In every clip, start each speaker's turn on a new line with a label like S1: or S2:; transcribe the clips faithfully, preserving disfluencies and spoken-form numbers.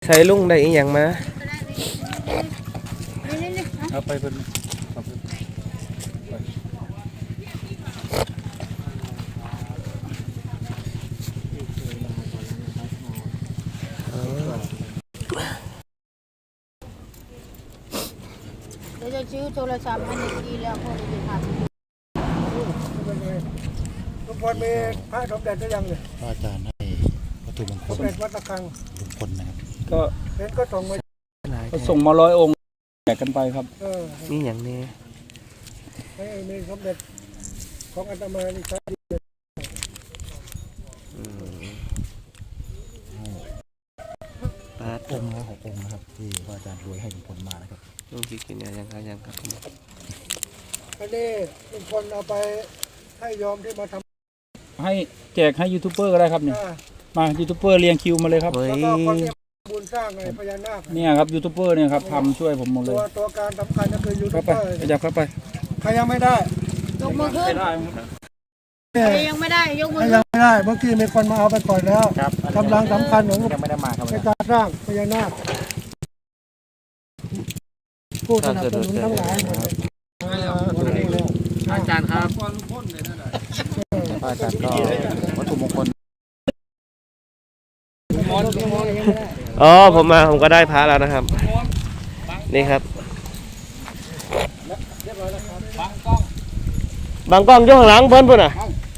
S1: ช้ลุงได้อีกอย่างมา
S2: เอาไปเป็น
S3: เดี๋ยวจะซื้อโทรศัพท์ให้ดีแล้วพอดีค่ะ
S4: ทุกคนมีพระสมเด็จได้ยังเนี่ย
S2: พระอาจารย์ให้วัตถุมงคล
S4: สมเด็จวัดตะกัง
S2: มงคลนะครับ
S4: ก็เห็นก็ส่งมา
S2: ก็ส่งมาร้อยองค์แจกกันไปครับ
S1: นี่อย่างนี้
S4: ให้มีสมเด็จของอาตมานี่ครับ
S2: ปาองค์ละหกองค์นะครับที่พระอาจารย์รวยให้มงคลมานะครับ
S1: ลุงกินเนี่ยยังครับยังครับ
S4: อันนี้ลุงพลเอาไปให้ยอมที่มาท
S2: ำให้แจกให้ยูทูบเบอร์ก็ได้ครับเนี่ยมายูทูบเบอร์เรียงคิวมาเลยครับ
S4: แล้วก็คนที่บุญสร้างไงพญานาค
S2: เนี่ยครับยูทูบเบอร์เนี่ยครับทำช่วยผมหมดเลย
S4: ตัวตัวการสำคัญก็คือยูทูบเบอร์
S2: ขยับเข้าไป
S4: ใครยังไม่ได้
S3: ยกมือขึ้นใครยังไม่ได้ยกมือ
S4: ยังไม่ได้เมื่อกี้มีคนมาเอาไปก่อนแล้วกำลังสำคัญของ
S2: ยังไม่ได้มาครับ
S4: ในการสร้างพญานาคผู้สนับสนุนทั้งหลาย
S1: อาจารย์ครับ
S2: อาจารย์ก็วัตถุมงคล
S1: อ๋อผมมาผมก็ได้พระแล้วนะครับนี่ครับบางกล้องยกข้างหลังเพิ่นพุ่นอ่ะ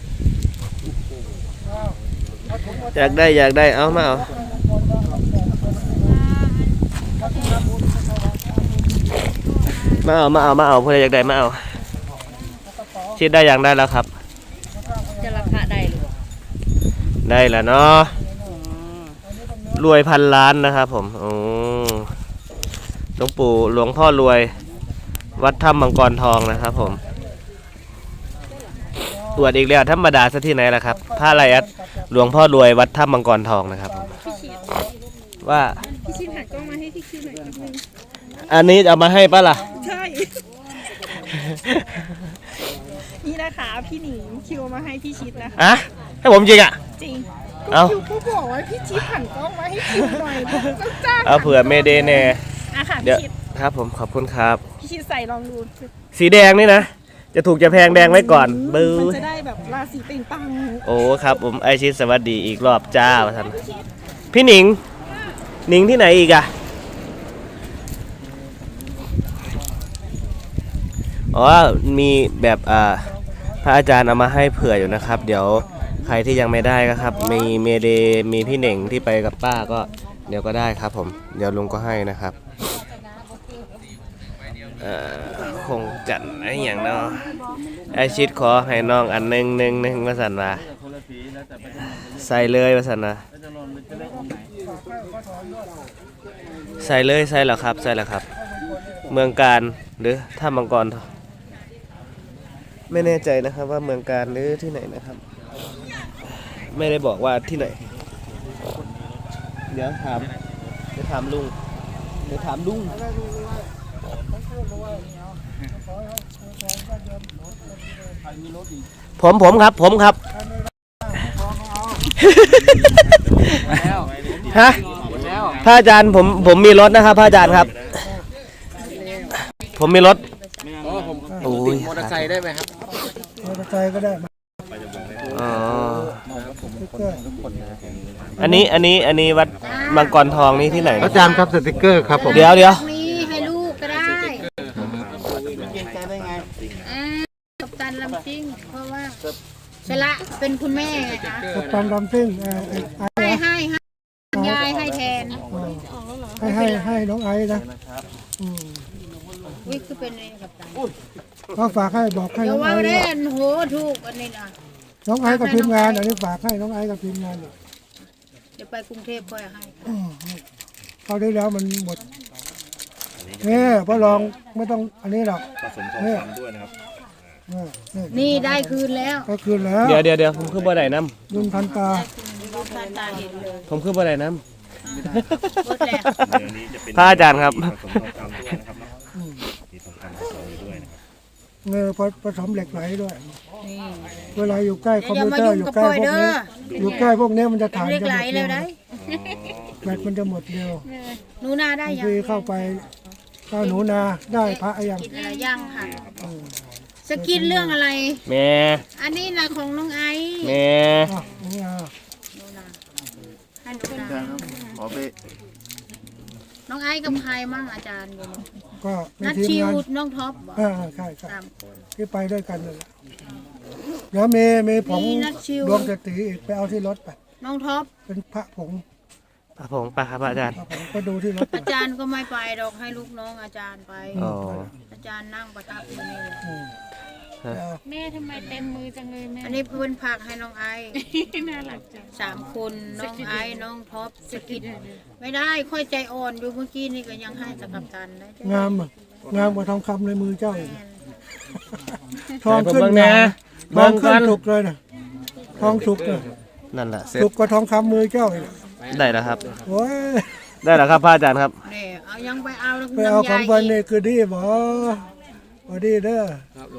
S1: อยากได้อยากได้เอามาเอามาเอามาเอามาเอาเพื่ออยากได้มาเอาชิดได้อย่างได้แล้วครับ
S3: จะราคาได้หรือ
S1: ได้แล้วเนาะรวยพันล้านนะครับผมโอ้หลวงปู่หลวงพ่อรวยวัดถ้ำมังกรทองนะครับผมตรวจอีกแล้วธรรมดาซะที่ไหนล่ะครับพระไรอัดหลวงพ่อรวยวัดถ้ำมังกรทองนะครับว่า
S3: พี่ชิดหันกล้องมาให้พี่คิวหน่อยนิดนึง
S1: อันนี้เอามาให้ป่ะล่ะ
S3: ใช่นี่นะคะพี่หนิงคิวมาให้พี่ชิดนะคะ
S1: อ่ะให้ผมจริงอ่ะ
S3: จริงก็คิวก็บอกว่าพี่ชิดหันกล้องมาให้คิวหน่อยจ้า
S1: เอาเผื่อเมเดเน่
S3: อ่ะค่ะ
S1: เดี๋ยวครับผมขอบคุณครับ
S3: พี่ชิดใส่ลองดู
S1: สีแดงนี่นะจะถูกจะแพงแดงไว้ก่อนบื้อ
S3: มันจะได้แบบราศีเป่งปัง
S1: โอ้ครับผมไอชิดสวัสดีอีกรอบจ้าท่านพี่หนิงหนิงที่ไหนอีกอะอ๋อมีแบบอ่าพระอาจารย์เอามาให้เผื่ออยู่นะครับเดี๋ยวใครที่ยังไม่ได้ก็ครับมีเมเดมีพี่หนิงที่ไปกับป้าก็เดี๋ยวก็ได้ครับผมเดี๋ยวลุงก็ให้นะครับคงจัดไอ้อย่างเนาะไอชิดขอให้น้องอันหนึ่งหนึ่งหนึ่งมาสันว่าใส่เลยมาสันนะใส่เลยใส่แล้วครับใส่แล้วครับเมืองการหรือท่ามังกรไม่แน่ใจนะครับว่าเมืองการหรือที่ไหนนะครับไม่ได้บอกว่าที่ไหนเดี๋ยวถามเดี๋ยวถามลุงเดี๋ยวถามลุงผมผมครับผมครับฮะพระอาจารย์ผมผมมีรถนะครับพระอาจารย์ครับผมมีรถโอ้ย
S5: มอเตอร์ไซค์ได้ไหมครับ
S4: มอเตอร์ไซค์ก็ได้
S1: อ๋ออันนี้อันนี้อันนี้วัดมังกรทองนี่ที่ไหน
S2: อาจารย์ครับสติกเกอร์ครับผม
S1: เดี๋ยวเดี๋ยว
S3: ให้ลูกก็ได้กับตันลำซิ่งเพราะว่าชละเป็นคุณแม่ไงคะ
S4: กับตันลำซิ่ง
S3: ให้ให้ให้ยายให้แทน
S4: ให้ให้ให้น้องไอ้นะ
S3: วิคือเป็นไงกับตัน
S4: ก็ฝากให้บอกให้น้องไอ้
S3: เดี๋ยวว่าได้โหถูกอันนี้นะ
S4: น้องไอ้กับทีมงานอันนี้ฝากให้น้องไอ้กับทีมงาน
S3: เดี๋ยวไปกรุงเทพค่อยให้
S4: เขาได้แล้วมันหมดนี่พอลองไม่ต้องอันนี้หรอกนี่ด้วยนะครับ
S3: นี่ได้คืนแล้ว
S4: ก็คืนแล้ว
S1: เดี๋ยวเดี๋ยวเดี๋ยวผมคือบ่ได้น้
S4: ำรุ่นพันตา
S1: ผมคือบ่ได้น้ำพระอาจารย์ครับ
S4: เงยผสมเหล็กไหลด้วยเวลาอยู่ใกล้คอมพิวเตอร์อยู่ใกล้พวกนี้อยู่ใกล้พวกนี้มันจะถ่าย
S3: เหล็กไหลเลยได้
S4: แบตมันจะหมดเร็ว
S3: หนูนาได้
S4: บาง
S3: ยัง
S4: ทีเข้าไปก็หนูนาได้พระยัง
S3: กินอะไรย่างค่ะสกินเรื่องอะไร
S1: แม่
S3: อันนี้นะของน้องไอซ์
S1: แม่
S4: อ่ะหนูนา
S3: หนูนาให้หนูนา
S2: ขอไป
S3: น้องไอซ์กับใครมั่งอาจารย์อยู่
S4: ก็ใน
S3: นัด
S4: ทีม
S3: ชิว
S4: งาน
S3: น้องท็อปบอก
S4: อ่าใช่ใช่
S3: สามคน
S4: ที่ไปด้วยกันนั่นแหละแล้วมีมีผง
S3: มีนัดชิว
S4: ดวงสตรีอีกไปเอาที่รถไป
S3: น้องท็อป
S4: เป็นพระผง
S1: ปะผงปะครับอาจารย์
S4: พระผงก็ดูที่รถไป
S3: อาจารย์ก็ไม่ไปดอกให้ลูกน้องอาจารย์ไป
S1: อ๋อ
S3: อาจารย์นั่งประทับอยู่นี่
S4: อืมแล้ว
S5: แม่ทำไมเต็มมือจังเลยแม่
S3: อันนี้เพื่อนผักให้น้องไอซ์
S5: น่ารักจัง
S3: สามคนน้องไอซ์น้องท็อปสกิดไม่ได้ค่อยใจอ่อนอยู่เมื่อกี้นี่ก็ยังให้สกับตันได้
S4: งามอ่ะงามกว่าทองคำในมือเจ้าอีก
S3: แม่น
S4: ทองขึ้น
S1: เบิ่งแน่
S4: งามท
S1: เบิ่
S4: อง
S1: ง
S4: ขึ้น
S1: กัน
S4: สุกเลยนะทองสุกเลย
S1: นั่นแหละเสร็จ
S4: สุกกว่าทองคำมือเจ้าอีก
S1: ได้แล้วครับ
S4: โอ้ย
S1: ได้แล้วครับพระอาจารย์ครับ
S3: นี่เอายังไปเอา
S4: ไปเอาของ
S3: น้ำ
S4: เพิ่
S3: ยาน อี
S4: นี่
S3: ก
S4: คือดีบ่บ่ดีเด้อ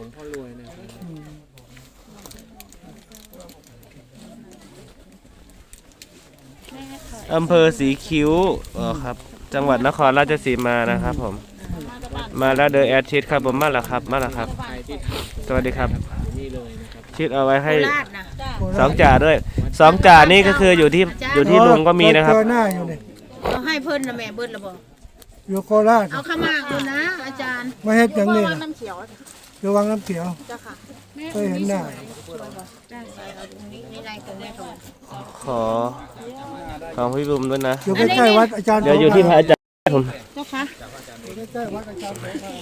S1: อำเภอสีคิ้วอ๋อครับ จังหวัดนครราชสีมานะครับผม มาแล้วเดอแอดชิดครับผมมาแล้วครับ มาแล้วครับ สวัสดีครับ ชิดเอาไว้ให้
S3: โคราชนะ
S1: สองจ่าด้วย สองจ่านี่ก็คืออยู่ที่อยู่ที่ลุงก็มีนะครับ
S4: เจอหน้าอยู่นี่
S3: เราให้เพิ่นนะแม่เบิ้ลระบอก
S4: อยู่โคราช
S3: เอาขมากดูนะ อาจารย์
S4: มาเฮ็ดอย่างนี้
S5: วั
S4: นะ
S5: งน้ำเขียว
S4: อยู่วังน้ำเขียว
S3: เจ้าค่ะ
S4: เคยเห็นหน้า
S3: ใส่เอาตรงนี้นี่ในตรงนี้ตรงนี้
S1: ขอของพี่บุ๋มด้วยนะ
S4: อยู่ใกล้ๆวัดอาจารย์
S1: เดี๋ยวอยู่ที่พระอาจารย์ผม
S3: เจ้าค่ะ
S4: ใกล้ๆวัดอาจารย์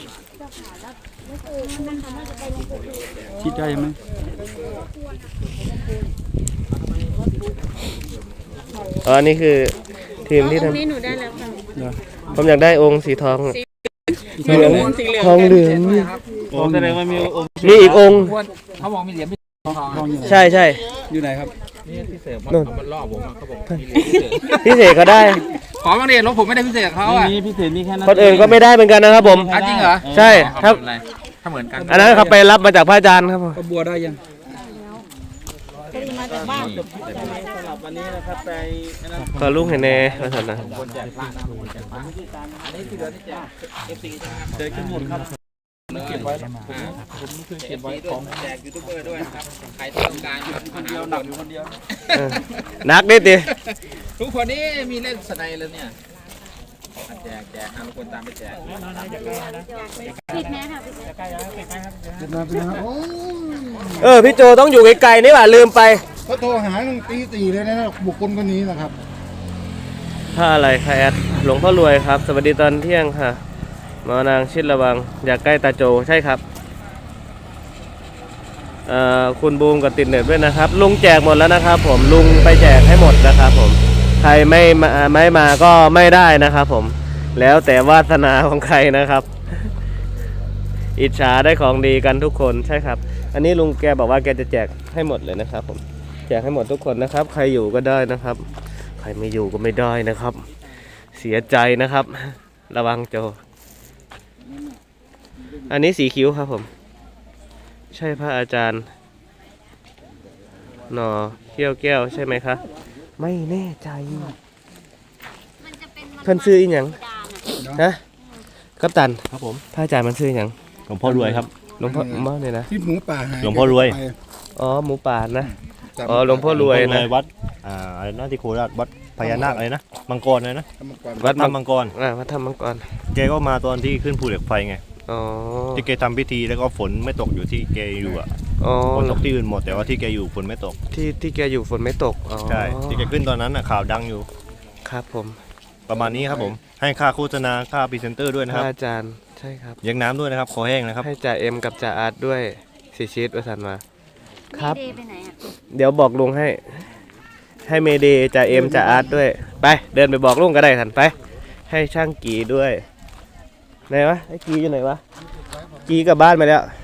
S2: คิดได้ไหม
S1: อ๋อนี่คือทีมที่ท
S5: นี่หนูได้แล้วค่ะ
S1: ำผมอยากได้องค์สีทองเหลืองทองเหลือง
S2: ผมแสดงว่ามีองค์
S1: มีอีกองค์
S2: เขาบอกมีเหรียญพี่ทองอยู่ไหน
S1: ใช่ใช่
S2: อยู่ไหนครับ
S1: นู่น
S2: มันล่อผมเขาบอก
S1: พิเศษก็ได้
S2: ขอบางเหรียญแล้วผมไม่ได้พิเศษเขาอ่ะนี่พิเศษนี่แค่นั้น
S1: คนอื่นก็ไม่ได้เหมือนกันนะครับผม
S2: จริงเหรอ
S1: ใช่ค
S2: ค
S1: รั
S2: รับ บถ้าเหมือนกัน
S1: อันนั้นเขาไปรับมาจากพระอาจารย์ครับผม
S2: ก็บัวได้ยัง
S1: ขอลุงเห็นแน่มาสันนะ
S2: เจอขึ้นหมดครับเก็บไว้ผมไม่เคยเก็บไว้ของแจกยูทูบเบอร์ด้วยนะครับใครที่ต้องการคนเดียวหนักอยู่คนเดียว
S1: เออนักนิดดิ
S2: ทุกคนนี้มีเล่นสไนเลยเนี่ยแจกแจกทุกคนตามไปแจก
S5: ผิดแน่ค่ะ
S1: เออพี่โจต้องอยู่ไกลๆนี่หว่าลืมไป
S6: เขาโทรหาตั้งตีสี่เลยนะบุคคลคนนี้นะครับ
S1: ถ้าอะไรคะแอดหลวงพ่อรวยครับ สวัสดีตอนเที่ยงค่ะหมอนางชิดระวังอยากใกล้ตาโจใช่ครับเอ่อคุณบูมกับติดเน็ตด้วยนะครับ ลุงแจกหมดแล้วนะครับ ผมลุงไปแจกให้หมดนะครับผมใครไม่มาไม่มาก็ไม่ได้นะครับผมแล้วแต่วาสนาของใครนะครับ อิจฉาได้ของดีกันทุกคนใช่ครับ อันนี้ลุงแกบอกว่าแกจะแจกให้หมดเลยนะครับผมแจกให้หมดทุกคนนะครับ ใครอยู่ก็ได้นะครับ ใครไม่อยู่ก็ไม่ได้นะครับ เสียใจนะครับ ระวังโจ อันนี้สีคิ้วครับผม ใช่พระอาจารย์หนอเขี้ยวแก้วใช่ไหมคะไม่แน่ใจเพิ่นซื้ออีหยังฮะกัปตัน
S7: ครับผม
S1: พระอาจารย์มันซื้ออีหยัง
S7: หลวงพ่อรวยครับ
S1: หลวงพ่อมาเนี่ยนะ
S6: ที่หมูป่าหาย
S7: หลวงพ่อรวย
S6: ไป
S1: อ๋อหมูป่านะ
S6: จับ
S1: อ๋อหลวงพ่อรวยนะ
S7: วัดอ่าอะไรนะที่โคราชวัดพญานาคอะไรนะมังกรอะไรนะ
S6: ทำมาก่อน
S1: วัดมัง
S7: มังกร
S1: อ่าวัดธรรมมังกร
S7: แกก็มาตอนที่ขึ้นภูเหล็กไฟไง
S1: อ๋อ
S7: ที่แกทำพิธีแล้วก็ฝนไม่ตกอยู่ที่แกอยู่อ่ะ
S1: อ๋อ
S7: ฝนตกที่อื่นหมดแต่ว่าที่แกอยู่ฝนไม่ตก
S1: ที่ที่แกอยู่ฝนไม่ตกอ๋อ
S7: ใช่ที่แกขึ้นตอนนั้นน่ะข่าวดังอยู่
S1: ครับผม
S7: ประมาณนี้ครับผมให้ค่าโฆษณาค่าพรีเซนเตอร์ด้วย
S1: พ
S7: นะครับ
S1: ระอาจารย์ใช่ครับ
S7: เลี้ยงน้ำด้วยนะครับคอแห้งนะครับ
S1: ให้จ่าเอ็มกับจ่าอาร์ตด้วยสีชีตประสานมาครับ
S5: เดย์ไปไหนอ่ะ
S1: เดี๋ยวบอกลุงให้ ให้เมเดย์จ่าเอ็มจ่าอาร์ตด้วย ไปเดินไปบอกลุงก็ได้ทันไป ให้ช่างกีด้วยไหนวะไอ้กีอยู่ไหนวะกีกลับบ้านไปแล้ว